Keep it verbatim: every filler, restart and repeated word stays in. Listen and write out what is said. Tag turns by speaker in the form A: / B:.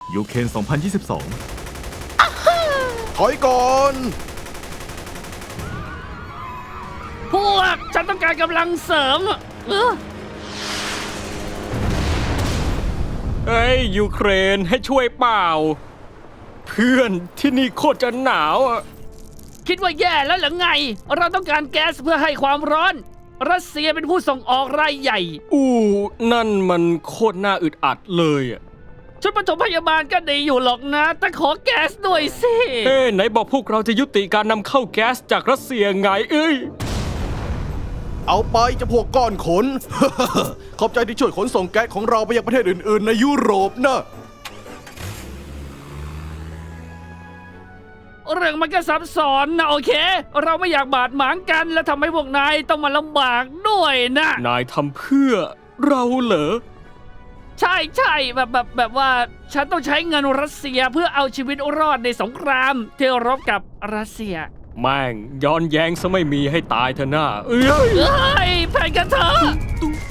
A: ยูเครนสองพันยี่สิบสอง
B: ถอยก่อน
C: พวกฉันต้องการกำลังเสริมเออ
D: เอ้ยยูเครนให้ช่วยเปล่า เพื่อนที่นี่โคตรจะหนาวอ่ะ
C: คิดว่าแย่แล้วหรือไง เราต้องการแก๊สเพื่อให้ความร้อน รัสเซียเป็นผู้ส่งออกรายใหญ่
D: อู้นั่นมันโคตรน่าอึดอัดเลยอ่ะ
C: ชุดปฐมพยาบาลก็ดีอยู่หรอกนะ แต่ขอแก๊สด้วยสิ
D: เอ้ไหนบอกพวกเราจะยุติการนำเข้าแก๊สจากรัสเซียไงเอ้ย
B: เอาไปจะพวกก้อนขน ขอบใจที่ช่วยขนส่งแก๊สของเราไปยังประเทศอื่นๆในยุโรปนะ
C: เรื่องมันก็ซับซ้อนนะโอเค เราไม่อยากบาดหมางกันและทำให้พวกนายต้องมาลำบากด้วยนะ
D: นายทำเพื่อเราเหรอ
C: ใช่ใช่แบบแบบแบบว่าฉันต้องใช้เงินรัสเซียเพื่อเอาชีวิตรอดในสงครามที่รบกับรัสเซีย
D: แม่งย้อนแย้งซะไม่มีให้ตายเถอะหน้าเอ้ย
C: เอ้ยแผ่นกันเถอะ
D: ตุ๊